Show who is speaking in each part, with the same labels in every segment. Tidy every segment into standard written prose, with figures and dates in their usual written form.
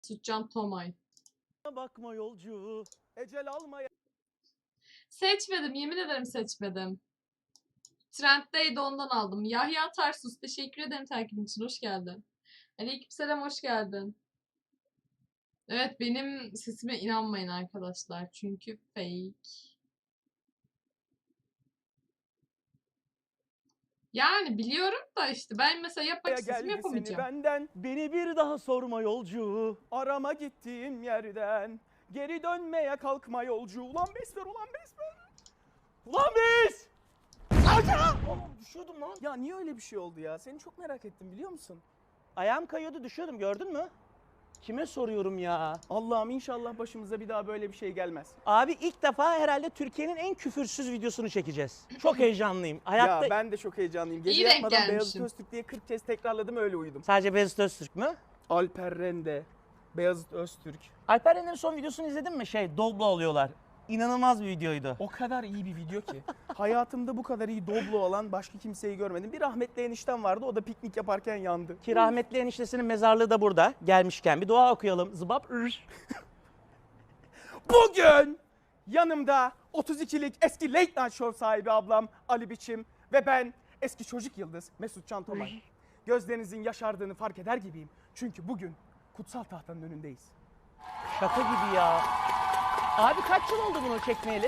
Speaker 1: Sütcan Tomay.
Speaker 2: Bakma yolcu, ecel almaya.
Speaker 1: Seçmedim. Yemin ederim seçmedim. Trenddeydi ondan aldım. Yahya Tarsus. Teşekkür ederim takibin için. Hoş geldin. Aleykümselam, hoş geldin. Evet, benim sesime inanmayın arkadaşlar. Çünkü fake. Yani biliyorum da işte ben mesela yapmak istesem
Speaker 2: Geldi seni
Speaker 1: yapamayacağım.
Speaker 2: benden, beni bir daha sorma yolcu. Arama gittiğim yerden, geri dönmeye kalkma yolcu. Ulan bes ver, ulan bes ver. Ulan bes! Aca! Düşüyordum lan. Ya niye öyle bir şey oldu ya? Seni çok merak ettim biliyor musun?
Speaker 3: Ayağım kayıyordu, düşüyordum, gördün mü? Kime soruyorum ya?
Speaker 2: Allah'ım inşallah başımıza bir daha böyle bir şey gelmez.
Speaker 3: Abi ilk defa herhalde Türkiye'nin en küfürsüz videosunu çekeceğiz. Çok heyecanlıyım. Hayatta
Speaker 2: Ya ben de çok heyecanlıyım. Gece
Speaker 1: İyi denk
Speaker 2: yatmadan Beyazıt
Speaker 1: gelmişsin.
Speaker 2: Öztürk diye 40 kez tekrarladım, öyle uyudum.
Speaker 3: sadece Beyazıt Öztürk mü?
Speaker 2: Alper Rende, Beyazıt Öztürk.
Speaker 3: Alper Render'in son videosunu izledin mi? Doblo oluyorlar. İnanılmaz bir videoydu.
Speaker 2: O kadar iyi bir video ki. Hayatımda bu kadar iyi doblo olan başka kimseyi görmedim. Bir rahmetli eniştem vardı, o da piknik yaparken yandı.
Speaker 3: Ki rahmetli eniştesinin mezarlığı da burada. Gelmişken bir dua okuyalım. Zıbap.
Speaker 2: Bugün yanımda 32'lik eski Late Night Show sahibi ablam Ali Biçim ve ben eski çocuk yıldız Mesut Can Tomay. Gözlerinizin yaşardığını fark eder gibiyim. Çünkü bugün kutsal tahtanın önündeyiz.
Speaker 3: Şaka gibi ya. Abi kaç yıl oldu bunu çekmeyeli?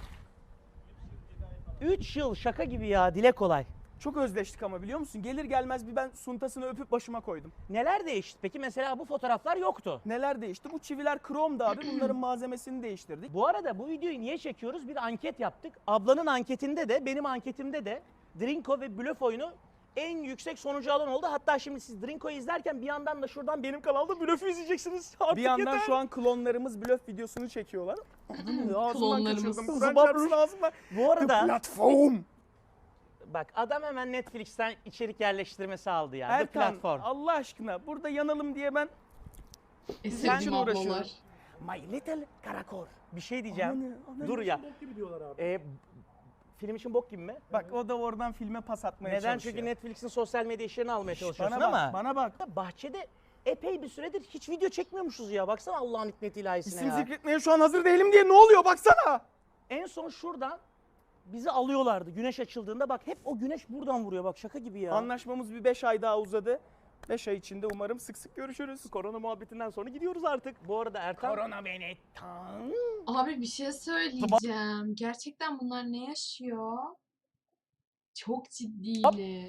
Speaker 3: 3 yıl, şaka gibi ya. Dile kolay.
Speaker 2: Çok özleştik ama biliyor musun? Gelir gelmez bir ben suntasını öpüp başıma koydum.
Speaker 3: Neler değişti? Peki mesela bu fotoğraflar yoktu.
Speaker 2: Neler değişti? Bu çiviler kromdu abi. Bunların malzemesini değiştirdik.
Speaker 3: Bu arada bu videoyu niye çekiyoruz? Bir anket yaptık. Ablanın anketinde de benim anketimde de Drinko ve Blöf oyunu en yüksek sonucu alan oldu. Hatta şimdi siz Drinko'yu izlerken bir yandan da şuradan benim kanalda Blöf'ü izleyeceksiniz. Artık
Speaker 2: Bir yandan
Speaker 3: yeter.
Speaker 2: şu an klonlarımız blöf videosunu çekiyorlar. Ağzımdan
Speaker 1: Klonlarımız.
Speaker 2: kaçırdım. Kur'an çarpsın ağzıma.
Speaker 3: Bu arada
Speaker 2: Platform.
Speaker 3: bak adam hemen Netflix'ten içerik yerleştirmesi aldı ya. The
Speaker 2: Erkan
Speaker 3: platform.
Speaker 2: Allah aşkına burada yanalım diye ben
Speaker 1: Sevdiğim
Speaker 2: için
Speaker 1: ablalar.
Speaker 2: uğraşıyorum.
Speaker 3: My Little Karakor. Bir şey diyeceğim.
Speaker 2: Ana,
Speaker 3: Dur ya.
Speaker 2: bok gibi diyorlar abi.
Speaker 3: Film için bok gibi mi?
Speaker 2: Bak o da oradan filme pas atmaya
Speaker 3: Neden?
Speaker 2: çalışıyor.
Speaker 3: Çünkü Netflix'in sosyal medya işlerini almaya çalışıyorsun
Speaker 2: Bana
Speaker 3: ama.
Speaker 2: bak, bana bak.
Speaker 3: Bahçede epey bir süredir hiç video çekmiyormuşuz ya. Baksana Allah'ın hikmeti ilahisine
Speaker 2: İsim
Speaker 3: ya.
Speaker 2: zikretmeye şu an hazır değilim diye ne oluyor baksana.
Speaker 3: En son şuradan bizi alıyorlardı güneş açıldığında. Bak hep o güneş buradan vuruyor bak, şaka gibi ya.
Speaker 2: Anlaşmamız bir 5 ay daha uzadı. 5 ay içinde umarım sık sık görüşürüz.
Speaker 3: Korona muhabbetinden sonra gidiyoruz artık. Bu arada Erkan...
Speaker 2: Korona beni tan.
Speaker 1: Abi bir şey söyleyeceğim. Gerçekten bunlar ne yaşıyor? Çok ciddiyim.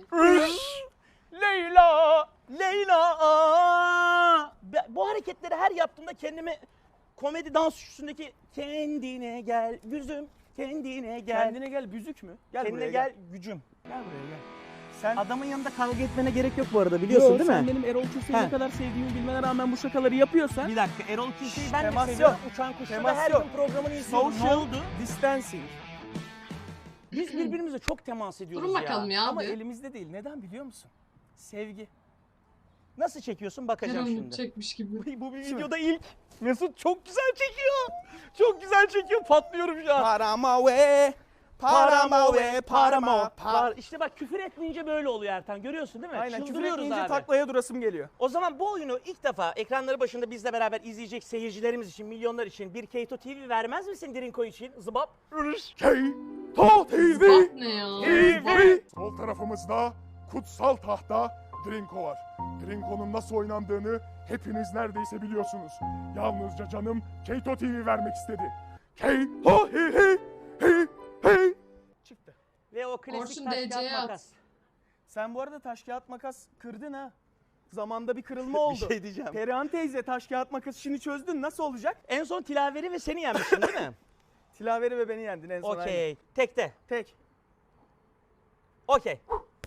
Speaker 3: Leyla, Leyla. Bu hareketleri her yaptığımda kendimi komedi dans üstündeki kendine gel gözüm, kendine gel.
Speaker 2: Kendine gel büzük mü? Gel
Speaker 3: Kendine
Speaker 2: buraya
Speaker 3: gel gücüm.
Speaker 2: Gel buraya gel. Sen
Speaker 3: Adamın yanında kavga etmene gerek yok bu arada, biliyorsun değil mi?
Speaker 2: Sen benim Erol Köse'yi ne
Speaker 3: He.
Speaker 2: kadar sevdiğimi bilmene rağmen bu şakaları yapıyorsan
Speaker 3: Bir dakika, Erol Külse'yi ben
Speaker 2: Temas
Speaker 3: de seviyorum.
Speaker 2: yok.
Speaker 3: Uçan Kuş'ta da
Speaker 2: Temas
Speaker 3: her
Speaker 2: yok.
Speaker 3: gün programını izliyorum. Ne
Speaker 2: social
Speaker 3: oldu?
Speaker 2: distancing.
Speaker 3: Biz birbirimize çok temas ediyoruz
Speaker 1: Durun bakalım ya
Speaker 2: Ama
Speaker 1: abi.
Speaker 2: elimizde değil. Neden biliyor musun? Sevgi.
Speaker 3: Nasıl çekiyorsun bakacağım
Speaker 1: Canım
Speaker 3: şimdi.
Speaker 1: çekmiş gibi.
Speaker 3: Bu bir videoda ilk. Mesut çok güzel çekiyor. Çok güzel çekiyor. Patlıyorum şu an.
Speaker 2: Parama ve parama ve parama.
Speaker 3: İşte bak küfür etmeyince böyle oluyor Ertan. Görüyorsun değil mi?
Speaker 2: Aynen küfür
Speaker 3: Çıldırıyoruz
Speaker 2: etmeyince
Speaker 3: abi.
Speaker 2: taklaya durasım geliyor.
Speaker 3: O zaman bu oyunu ilk defa ekranları başında bizle beraber izleyecek seyircilerimiz için, milyonlar için bir Keto TV vermez misin Drinko için? Zıbap.
Speaker 2: Keto TV.
Speaker 1: Bak ne ya?
Speaker 2: TV.
Speaker 4: Sol tarafımızda kutsal tahta Drinko var. Drinko'nun nasıl oynandığını hepiniz neredeyse biliyorsunuz. Yalnızca canım Keto TV vermek istedi. Keto hi.
Speaker 2: Çıktı.
Speaker 3: Ve o klasik
Speaker 1: Orçun
Speaker 3: taş
Speaker 1: DC'ye
Speaker 3: kağıt
Speaker 1: at.
Speaker 3: makas.
Speaker 2: Sen bu arada taş kağıt makas kırdın ha. Zamanda bir kırılma oldu.
Speaker 3: Bir şey diyeceğim.
Speaker 2: Perihan teyze taş kağıt makas işini çözdün. Nasıl olacak?
Speaker 3: En son Tilaveri ve seni yenmiştin değil mi?
Speaker 2: Tilaveri ve beni yendin en son. aynen.
Speaker 3: Okey. Tekte.
Speaker 2: Tek.
Speaker 3: Okey.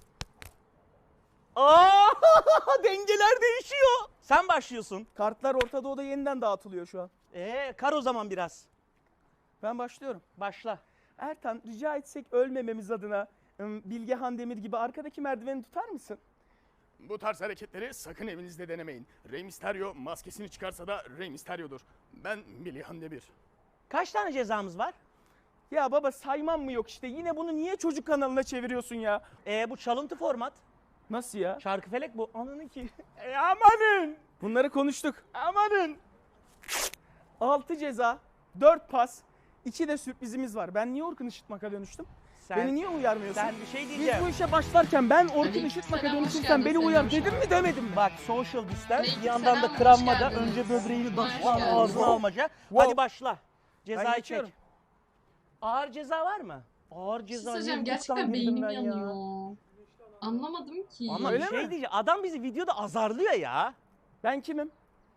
Speaker 3: Aa, dengeler değişiyor. Sen başlıyorsun.
Speaker 2: Kartlar Orta Doğu'da yeniden dağıtılıyor şu an.
Speaker 3: Kar o zaman biraz.
Speaker 2: Ben başlıyorum.
Speaker 3: Başla.
Speaker 2: Ertan rica etsek ölmememiz adına Bilge Handemir gibi arkadaki merdiveni tutar mısın?
Speaker 4: Bu tarz hareketleri sakın evinizde denemeyin. Rey Mysterio maskesini çıkarsa da Rey Mysterio'dur. Ben Billy Demir.
Speaker 3: Kaç tane cezamız var?
Speaker 2: Ya baba saymam mı yok işte. Yine bunu niye çocuk kanalına çeviriyorsun ya?
Speaker 3: Bu çalıntı format.
Speaker 2: Nasıl ya?
Speaker 3: Şarkıfelek bu. Ananı ki.
Speaker 2: Amanın! Bunları konuştuk. Amanın. 6 ceza, 4 pas, 2 de sürprizimiz var. Ben niye Orkun Işıtmak'a dönüştüm? Beni niye uyarmıyorsun?
Speaker 3: Sen bir şey
Speaker 2: Biz
Speaker 3: diyeceğim.
Speaker 2: bu işe başlarken ben Orkun
Speaker 1: Aleyküm
Speaker 2: Işıtmak'a
Speaker 1: selam, hoş
Speaker 2: dönüştüm,
Speaker 1: geldin,
Speaker 2: sen beni
Speaker 1: Selim
Speaker 2: uyar
Speaker 1: hoş
Speaker 2: dedim mi demedim mi?
Speaker 3: Bak social distance,
Speaker 1: Aleyküm
Speaker 3: bir yandan da
Speaker 1: selam, hoş
Speaker 3: kıranmaca,
Speaker 1: geldiniz.
Speaker 3: önce böbreğini
Speaker 1: Hoş
Speaker 3: dışlan
Speaker 1: geldiniz.
Speaker 3: ağzına almaca.
Speaker 2: Wow.
Speaker 3: Hadi başla. Cezayı çek.
Speaker 2: geçiyorum.
Speaker 3: Ağır ceza var mı? Ağır
Speaker 1: Bir şey
Speaker 3: ceza.
Speaker 1: söyleyeceğim,
Speaker 3: niye
Speaker 1: gerçekten
Speaker 3: boktan girdim
Speaker 1: beynim
Speaker 3: ben ya?
Speaker 1: yanıyor. Anlamadım ki.
Speaker 3: Ama
Speaker 2: Öyle
Speaker 3: bir şey
Speaker 2: mi?
Speaker 3: diyeceğim. Adam bizi videoda azarlıyor ya.
Speaker 2: Ben kimim?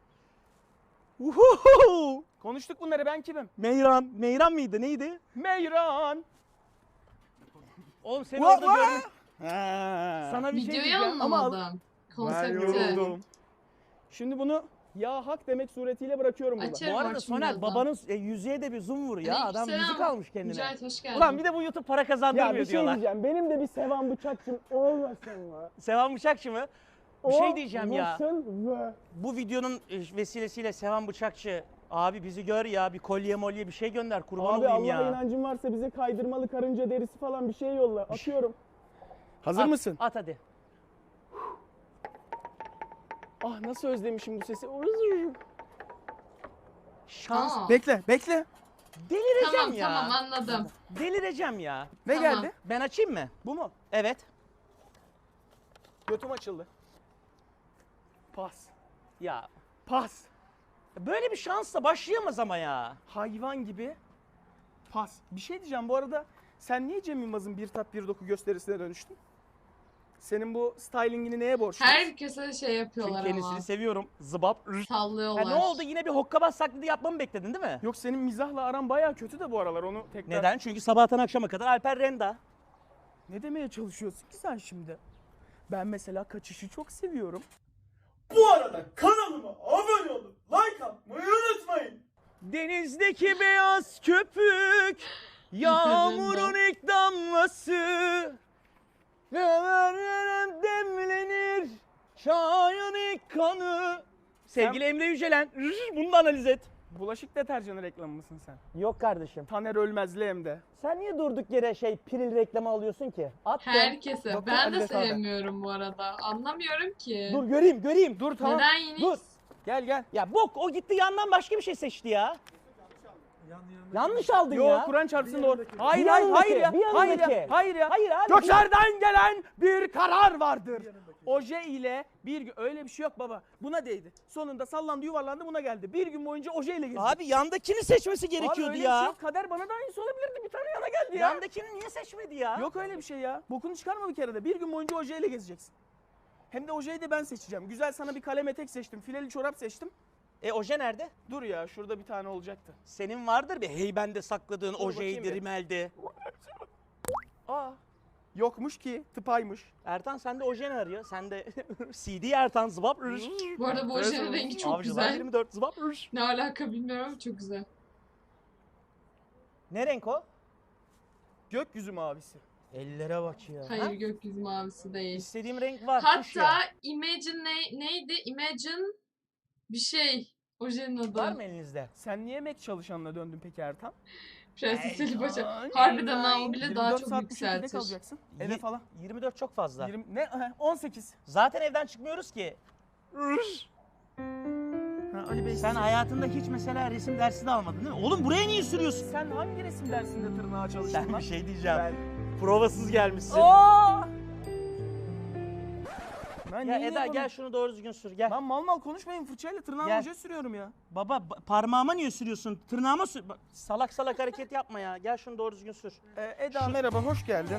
Speaker 3: Uhuhu.
Speaker 2: Konuştuk bunları, ben kimim?
Speaker 3: Meyran. Meyran mıydı? Neydi?
Speaker 2: Meyran.
Speaker 3: Oğlum seni
Speaker 2: Vah,
Speaker 3: orada
Speaker 2: vah.
Speaker 3: gördüm. Sana bir şey
Speaker 1: Videoyu
Speaker 3: diyeceğim.
Speaker 1: anlamadım.
Speaker 2: Ben
Speaker 1: Konsepti.
Speaker 2: yoruldum. Şimdi bunu ya hak demek suretiyle bırakıyorum burada.
Speaker 1: Açarım
Speaker 3: Bu arada
Speaker 1: Orçun
Speaker 3: Soner
Speaker 1: birazdan.
Speaker 3: babanın yüzüğe de bir zoom vur ya. Adam
Speaker 1: Aleykümselam.
Speaker 3: yüzük almış kendine.
Speaker 1: Mücahit hoş geldin.
Speaker 3: Ulan bir de bu YouTube para kazandırmıyor
Speaker 2: Ya bir şey
Speaker 3: diyorlar.
Speaker 2: diyeceğim. Benim de bir Sevan Bıçakçım olmasın mı?
Speaker 3: Sevan Bıçakçı mı? Bir şey diyeceğim ya.
Speaker 2: Olmasın mı?
Speaker 3: Bu videonun vesilesiyle Sevan Bıçakçı abi bizi gör ya, bir kolye molye bir şey gönder, kurban
Speaker 2: Abi
Speaker 3: olayım
Speaker 2: Allah'a
Speaker 3: ya.
Speaker 2: inancın varsa bize kaydırmalı karınca derisi falan bir şey yolla. Atıyorum. Hazır
Speaker 3: At,
Speaker 2: mısın?
Speaker 3: At hadi.
Speaker 2: Ah nasıl özlemişim bu sesi.
Speaker 3: Şans.
Speaker 1: Aa,
Speaker 2: Bekle, bekle.
Speaker 3: Delireceğim
Speaker 1: tamam
Speaker 3: ya.
Speaker 1: tamam anladım.
Speaker 3: Delireceğim ya.
Speaker 2: Ne
Speaker 1: Tamam.
Speaker 2: geldi?
Speaker 3: Ben açayım mı?
Speaker 2: Bu mu?
Speaker 3: Evet.
Speaker 2: Götüm açıldı. Pas.
Speaker 3: Ya
Speaker 2: Pas.
Speaker 3: böyle bir şansla başlayamaz ama ya.
Speaker 2: Hayvan gibi. Pas. Bir şey diyeceğim bu arada. Sen niye Cem Yılmaz'ın bir tat bir doku gösterisine dönüştün? Senin bu stylingini neye borçluyuz?
Speaker 1: Herkese şey yapıyorlar
Speaker 3: Çünkü kendisini
Speaker 1: ama.
Speaker 3: seviyorum. Zıbap. Ha,
Speaker 1: Sallıyorlar.
Speaker 3: ne oldu? Yine bir hokkabaz taklidi yapmamı bekledin değil mi?
Speaker 2: Yok senin mizahla aran bayağı kötü de bu aralar onu tekrar...
Speaker 3: Neden? Çünkü sabahtan akşama kadar Alper Renda.
Speaker 2: Ne demeye çalışıyorsun ki sen şimdi? Ben mesela kaçışı çok seviyorum. Bu arada kanalıma abone olup like atmayı unutmayın.
Speaker 3: Denizdeki beyaz köpük, yağmurun ilk damlası. Demlenir çayın ilk kanı. Sevgili Emre Yücelen, bunu da analiz et.
Speaker 2: Bulaşık deterjanı reklamı mısın sen?
Speaker 3: Yok kardeşim.
Speaker 2: Taner Ölmezli hem de.
Speaker 3: Sen niye durduk yere Piril reklamı alıyorsun ki? At de.
Speaker 1: Herkese.
Speaker 2: Doktor
Speaker 1: Ben de
Speaker 2: Adidas abi.
Speaker 1: sevmiyorum bu arada. Anlamıyorum ki.
Speaker 3: Dur göreyim.
Speaker 2: Dur tamam.
Speaker 1: Neden yine?
Speaker 3: Dur.
Speaker 2: Gel gel.
Speaker 3: Ya bok o gitti yandan başka bir şey seçti ya. Yanlış aldın
Speaker 2: Yo
Speaker 3: ya.
Speaker 2: Kur'an çarpsın doğru. Hayır
Speaker 3: Bir
Speaker 2: hayır
Speaker 3: yanındaki,
Speaker 2: hayır ya.
Speaker 3: bir
Speaker 2: Hayır
Speaker 3: yanındaki.
Speaker 2: ya. Hayır ya.
Speaker 3: Hayır abi.
Speaker 2: Göklerden gelen bir karar vardır. Oje ile bir gün öyle bir şey yok baba. Buna değdi. Sonunda sallandı yuvarlandı buna geldi. Bir gün boyunca oje ile gezdi.
Speaker 3: Abi yandakini seçmesi
Speaker 2: Abi
Speaker 3: gerekiyordu
Speaker 2: öyle bir şey
Speaker 3: ya.
Speaker 2: yok. Kader bana da aynısı olabilirdi. Bir tane yana geldi ya.
Speaker 3: Yandakini niye seçmedi ya?
Speaker 2: Yok öyle bir şey ya. Bokunu çıkarma bir kere de. Bir gün boyunca oje ile gezeceksin. Hem de ojeyi de ben seçeceğim. Güzel sana bir kalem etek seçtim. Fileli çorap seçtim.
Speaker 3: Oje nerede?
Speaker 2: Dur ya şurada bir tane olacaktı.
Speaker 3: Senin vardır bir heybende sakladığın
Speaker 2: bakayım
Speaker 3: ojeydi,
Speaker 2: bir.
Speaker 3: rimeldi.
Speaker 2: Aa. Yokmuş ki tıpaymış.
Speaker 3: Ertan sende oje ne arıyor? Sende CD Ertan zıbap.
Speaker 1: Bu arada bu ojenin rengi çok
Speaker 3: Avcılar
Speaker 1: güzel.
Speaker 3: 24 zıbap.
Speaker 1: Ne alaka bilmiyorum ama çok güzel.
Speaker 3: Ne renk o?
Speaker 2: Gökyüzü mavisi.
Speaker 3: Ellere bak ya.
Speaker 1: Hayır
Speaker 3: Ha?
Speaker 1: gökyüzü mavisi değil.
Speaker 3: İstediğim renk var. kuş
Speaker 1: Hatta
Speaker 3: ya.
Speaker 1: Imagine neydi? Imagine bir şey. Ojenin adı.
Speaker 3: Var mı elinizde?
Speaker 2: Sen niye emek çalışanına döndün peki Ertan?
Speaker 1: Prenses Ali Paşa.
Speaker 2: Ay,
Speaker 1: Harbiden ha o
Speaker 2: ay.
Speaker 1: bile
Speaker 2: 24
Speaker 1: daha
Speaker 2: saat
Speaker 1: çok
Speaker 2: bu şekilde
Speaker 1: yükseltir.
Speaker 2: kalacaksın. Eve falan.
Speaker 3: 24 çok fazla.
Speaker 2: 20, ne? 18.
Speaker 3: Zaten evden çıkmıyoruz ki.
Speaker 2: Ha, Ali Bey
Speaker 3: Sen hayatında hiç mesela resim dersi de almadın değil mi? Oğlum buraya niye sürüyorsun?
Speaker 2: sen hangi resim dersinde tırnağa çalıştın
Speaker 3: Sen
Speaker 2: lan?
Speaker 3: bir şey diyeceğim.
Speaker 2: Ben...
Speaker 3: Provasız gelmişsin.
Speaker 2: Aa! Ben
Speaker 3: Ya
Speaker 2: niye
Speaker 3: Eda
Speaker 2: bunu-
Speaker 3: gel şunu doğru düzgün sür gel.
Speaker 2: Lan mal mal konuşmayın fırçayla tırnağımı
Speaker 3: Gel.
Speaker 2: oje sürüyorum ya.
Speaker 3: Baba parmağıma niye sürüyorsun? Tırnağıma sür. Bak, salak salak hareket yapma ya. Gel şunu doğru düzgün sür.
Speaker 2: Eda merhaba hoş geldin.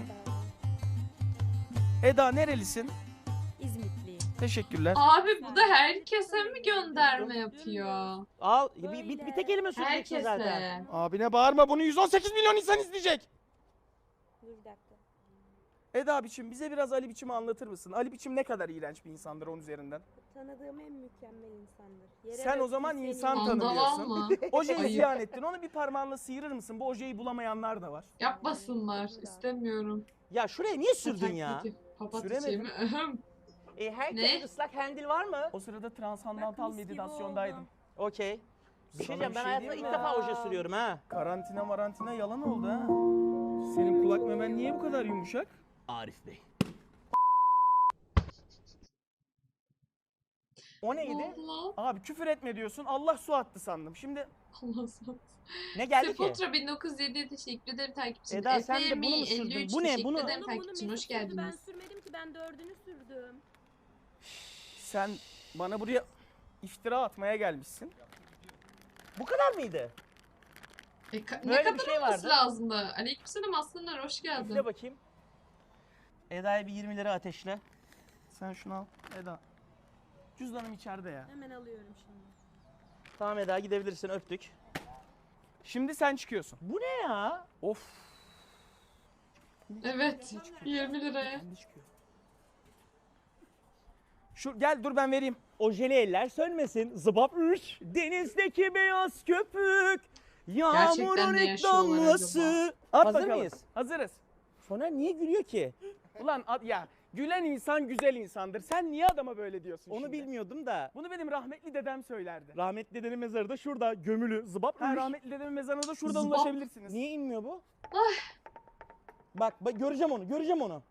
Speaker 2: Eda nerelisin?
Speaker 5: İzmitliyim.
Speaker 2: Teşekkürler.
Speaker 1: Abi bu da herkese mi gönderme yapıyor?
Speaker 3: Al bir tek elime süreceksin zaten.
Speaker 1: Herkese.
Speaker 2: Abine bağırma bunu 118 milyon insan izleyecek.
Speaker 5: Dur bir dakika.
Speaker 2: Eda biçim bize biraz Ali biçimi anlatır mısın? Ali biçim ne kadar iğrenç bir insandır onun üzerinden.
Speaker 5: Tanıdığım en mükemmel insandır. Yere
Speaker 2: Sen o
Speaker 5: döktüm
Speaker 2: zaman
Speaker 5: seni.
Speaker 2: insan
Speaker 1: Andaval
Speaker 2: tanımıyorsun.
Speaker 1: mı?
Speaker 2: Ojeyi
Speaker 1: Ayıp.
Speaker 2: ziyan ettin. Onu bir parmağınla sıyırır mısın? Bu ojeyi bulamayanlar da var.
Speaker 1: Yapmasınlar. İstemiyorum.
Speaker 3: Ya şuraya niye sürdün ya?
Speaker 1: Taklidi. Papatya
Speaker 2: Süremedim.
Speaker 1: çiğ mi? Ahem.
Speaker 3: Herkesin
Speaker 1: Ne?
Speaker 3: ıslak handil var mı?
Speaker 2: O sırada transandantal
Speaker 5: Bak, mis gibi
Speaker 2: meditasyondaydım.
Speaker 5: oldu.
Speaker 3: Okey. Bir şey
Speaker 2: Sana
Speaker 3: diyeceğim
Speaker 2: bir
Speaker 3: ben
Speaker 2: şey
Speaker 3: hayatımda
Speaker 2: diyeyim
Speaker 3: ilk
Speaker 2: mi?
Speaker 3: defa oje sürüyorum ha.
Speaker 2: Karantina marantina yalan oldu ha. Senin kulak memen niye bu kadar yumuşak?
Speaker 3: Arif Bey. O
Speaker 1: Ne
Speaker 3: neydi?
Speaker 1: oldu lan?
Speaker 2: Abi küfür etme diyorsun. Allah su attı sandım. Şimdi
Speaker 1: Allah sağ
Speaker 3: Ne geldi ki?
Speaker 1: Sefotra 1907'ye teşekkür ederim takip için.
Speaker 3: Eda, sen de bunu mu
Speaker 1: Efemi
Speaker 3: sürdün?
Speaker 1: 53
Speaker 3: Bu ne?
Speaker 1: teşekkür
Speaker 3: Bunu-
Speaker 1: ederim
Speaker 5: Oğlum
Speaker 1: takip
Speaker 5: bunu
Speaker 1: için. Hoş
Speaker 5: Mesut sürdü, ben
Speaker 1: geldiniz.
Speaker 5: sürmedim ki, ben 4'ünü sürdüm.
Speaker 2: sen bana buraya iftira atmaya gelmişsin.
Speaker 3: Bu kadar mıydı?
Speaker 1: Ne
Speaker 3: Böyle bir
Speaker 1: kadar
Speaker 3: şey
Speaker 1: olması
Speaker 3: vardı.
Speaker 1: lazımdı? Aleykümselam aslanlar hoş geldin.
Speaker 3: Üfle bakayım. Eda'ya bir 20 lira ateşle.
Speaker 2: Sen şunu al. Eda. Cüzdanım içeride ya.
Speaker 5: Hemen alıyorum şimdi.
Speaker 3: Tamam Eda, gidebilirsin, öptük.
Speaker 2: Şimdi sen çıkıyorsun.
Speaker 3: Bu ne ya?
Speaker 2: Of.
Speaker 1: Evet 20 liraya.
Speaker 2: Şimdi çıkıyor. Şu gel dur ben vereyim.
Speaker 3: Ojeli eller sönmesin. Zıbap üş. Denizdeki beyaz köpük. Yağmurun
Speaker 1: Gerçekten ne
Speaker 3: ilk
Speaker 1: yaşıyorlar
Speaker 3: damlası.
Speaker 2: At
Speaker 3: Hazır
Speaker 2: bakalım.
Speaker 3: mıyız?
Speaker 2: Hazırız.
Speaker 3: Soner niye gülüyor ki?
Speaker 2: Ulan ya gülen insan güzel insandır. Sen niye adama böyle diyorsun
Speaker 3: Onu
Speaker 2: şimdi?
Speaker 3: bilmiyordum da.
Speaker 2: Bunu benim rahmetli dedem söylerdi.
Speaker 3: Rahmetli dedenin mezarı da şurada gömülü. Zıbap
Speaker 2: Ha,
Speaker 3: üş.
Speaker 2: rahmetli dedemin mezarına da şuradan
Speaker 1: Zıbap.
Speaker 2: ulaşabilirsiniz.
Speaker 3: Niye inmiyor bu? Bak göreceğim onu, göreceğim onu.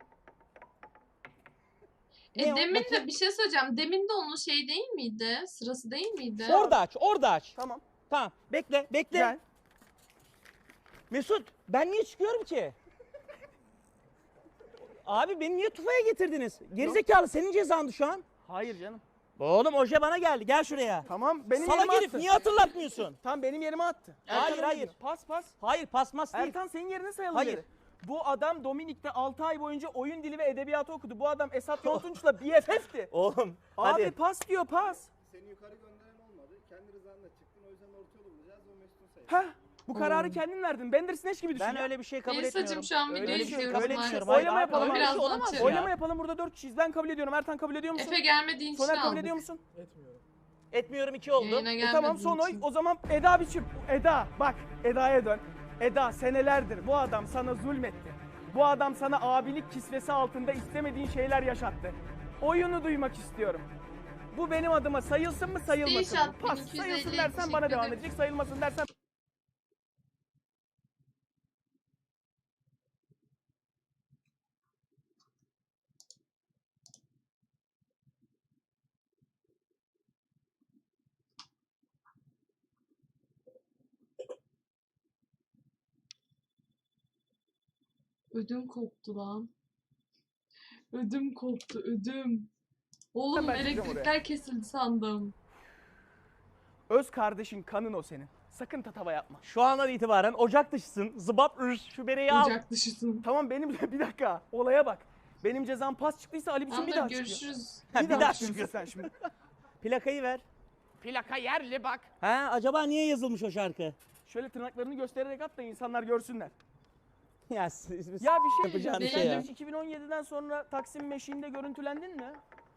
Speaker 3: Ne o?
Speaker 1: Demin
Speaker 3: Bakayım.
Speaker 1: de bir şey söyleyeceğim. Demin de onun şey değil miydi? Sırası değil miydi?
Speaker 3: Orada aç, orada aç.
Speaker 2: Tamam.
Speaker 3: Tamam, bekle, bekle.
Speaker 2: Gel.
Speaker 3: Mesut, ben niye çıkıyorum ki? Abi beni niye tufaya getirdiniz? Gerizekalı, senin cezandı şu an.
Speaker 2: Hayır canım.
Speaker 3: Oğlum oje bana geldi, gel şuraya.
Speaker 2: Tamam benim
Speaker 3: Salak
Speaker 2: yerime
Speaker 3: herif,
Speaker 2: attı.
Speaker 3: niye hatırlatmıyorsun?
Speaker 2: Tamam benim yerime attı.
Speaker 3: Hayır,
Speaker 2: Ertan
Speaker 3: hayır.
Speaker 2: öyle. Pas pas.
Speaker 3: Hayır, pasmas değil.
Speaker 2: Ertan senin yerine sayalım
Speaker 3: Hayır.
Speaker 2: geri. Bu adam Dominik'te 6 ay boyunca oyun dili ve edebiyatı okudu. Bu adam Esat Yontunç'la BFF'ti.
Speaker 3: Oğlum,
Speaker 2: Abi
Speaker 3: hadi.
Speaker 2: pas diyor pas.
Speaker 6: Seni yukarı gönderen olmadı. Kendi rızanla çıktın. O yüzden orta yolu bulacağız. O Mesut'un sayı.
Speaker 2: Heh. Bu kararı kendin verdin. Bandersnatch gibi düşün.
Speaker 3: Ben
Speaker 2: ya.
Speaker 3: öyle bir şey kabul
Speaker 1: Melisa'cığım
Speaker 3: etmiyorum.
Speaker 1: şu an
Speaker 2: Öyle
Speaker 1: videoyu
Speaker 2: bir şey yok,
Speaker 1: izliyoruz
Speaker 3: öyle bir şey
Speaker 1: maalesef.
Speaker 3: yok. Hayır,
Speaker 2: Oylama
Speaker 3: abi,
Speaker 2: yapalım
Speaker 3: öyle bir
Speaker 1: Birazdan
Speaker 3: şey olamaz
Speaker 1: açarım.
Speaker 3: ya.
Speaker 2: Oylama yapalım burada 4 kişiyiz. Ben kabul ediyorum. Ertan kabul ediyor musun?
Speaker 1: Efe gelmediğin için
Speaker 2: Soner kabul
Speaker 1: aldık.
Speaker 2: ediyor musun?
Speaker 6: Etmiyorum.
Speaker 3: Etmiyorum, 2 oldu.
Speaker 1: Yayına gelmediğin
Speaker 2: Tamam son oy.
Speaker 1: için.
Speaker 2: O zaman Eda biçim. Eda bak Eda'ya dön. Eda senelerdir bu adam sana zulmetti. Bu adam sana abilik kisvesi altında istemediğin şeyler yaşattı. Oyunu duymak istiyorum. Bu benim adıma sayılsın mı sayılmasın mı?
Speaker 1: Screenshot
Speaker 2: Pas
Speaker 1: 1250,
Speaker 2: sayılsın dersen
Speaker 1: teşekkür
Speaker 2: bana devam
Speaker 1: ederim.
Speaker 2: edecek. Sayılmasın dersen
Speaker 1: Ödüm koptu lan. Ödüm koptu ödüm. Oğlum
Speaker 2: Ben çıkacağım
Speaker 1: elektrikler kesildi sandım.
Speaker 2: öz kardeşin kanın o senin. Sakın tatava yapma.
Speaker 3: Şu andan itibaren ocak dışısın. Zıbap üş. Şu bereyi al.
Speaker 1: Ocak dışısın.
Speaker 2: Tamam benim bir dakika olaya bak. Benim cezam pas çıktıysa Ali biçim bir
Speaker 1: Tamam
Speaker 2: daha çıkıyor.
Speaker 1: görüşürüz.
Speaker 3: Ha,
Speaker 2: Bir daha çıkıyorsun
Speaker 3: çıkıyor.
Speaker 2: sen şimdi.
Speaker 3: Plakayı ver.
Speaker 2: Plaka yerli bak.
Speaker 3: Ha, acaba niye yazılmış o şarkı?
Speaker 2: Şöyle tırnaklarını göstererek at da insanlar görsünler.
Speaker 3: Ya,
Speaker 2: Ya bir şey diyeceğim.
Speaker 3: Yapacağın
Speaker 1: şey ya.
Speaker 2: Sen hiç 2017'den sonra Taksim Meşi'nde görüntülendin mi?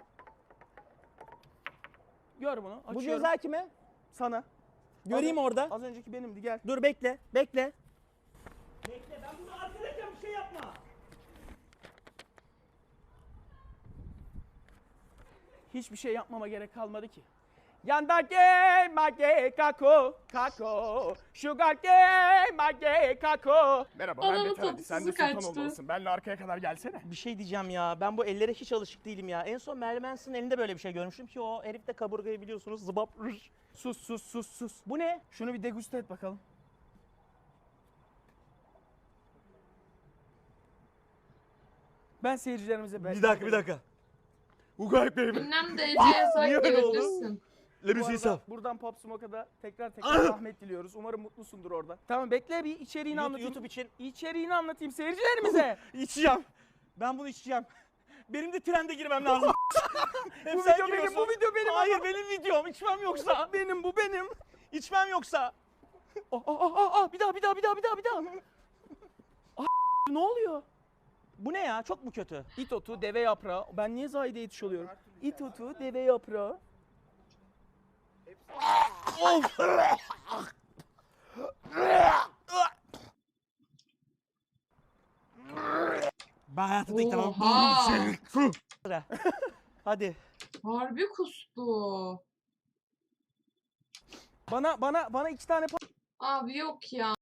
Speaker 2: Gör bunu.
Speaker 3: Bu
Speaker 2: Açıyorum.
Speaker 3: ceza kime?
Speaker 2: Sana.
Speaker 3: Göreyim
Speaker 2: Az-
Speaker 3: orada.
Speaker 2: Az önceki benimdi gel.
Speaker 3: Dur bekle, bekle. Bekle, ben bunu arkadaşım bir şey yapma.
Speaker 2: Hiçbir şey yapmama gerek kalmadı ki. Yandake mage kako kako sugarke mage kako. Merhaba
Speaker 1: Adamın
Speaker 2: ben de Ferdi.
Speaker 1: tadı
Speaker 2: Sen de
Speaker 1: tuzu
Speaker 2: sultan
Speaker 1: kaçtı.
Speaker 2: olmalısın. Benle arkaya kadar gelsene.
Speaker 3: Bir şey diyeceğim ya, ben bu ellere hiç alışık değilim ya. En son Marilyn Manson'ın elinde böyle bir şey görmüştüm ki o herif de kaburgayı biliyorsunuz zıbap üş.
Speaker 2: Sus sus sus sus.
Speaker 3: Bu ne?
Speaker 2: Şunu bir deguste et bakalım. Ben seyircilerimize
Speaker 3: dakika. Ugayip benim.
Speaker 1: Ünlem DC'ye sahip
Speaker 3: Niye öyle oldu?
Speaker 1: gelebilirsin.
Speaker 2: Bu arada buradan Pop Smoke'a da tekrar rahmet diliyoruz. Umarım mutlusundur orada. Tamam bekle bir içeriğini anlatayım.
Speaker 3: YouTube için
Speaker 2: İçeriğini anlatayım seyircilerimize.
Speaker 3: içeceğim. Ben bunu içeceğim. Benim de trende girmem lazım. Hep
Speaker 2: Bu
Speaker 3: sen
Speaker 2: video benim,
Speaker 3: giriyorsun.
Speaker 2: bu video benim.
Speaker 3: Hayır benim videom. İçmem yoksa.
Speaker 2: Benim bu benim.
Speaker 3: İçmem yoksa.
Speaker 2: Bir daha. Ne oluyor?
Speaker 3: Bu ne ya? Çok mu kötü?
Speaker 2: İt otu, deve yaprağı. Ben niye Zahide yetiş oluyorum? İt otu, deve yaprağı.
Speaker 3: Ben hayatımda ilk defa
Speaker 1: Oha.
Speaker 3: Hadi.
Speaker 1: Harbi kustu.
Speaker 2: Bana 2 tane
Speaker 1: Abi yok ya.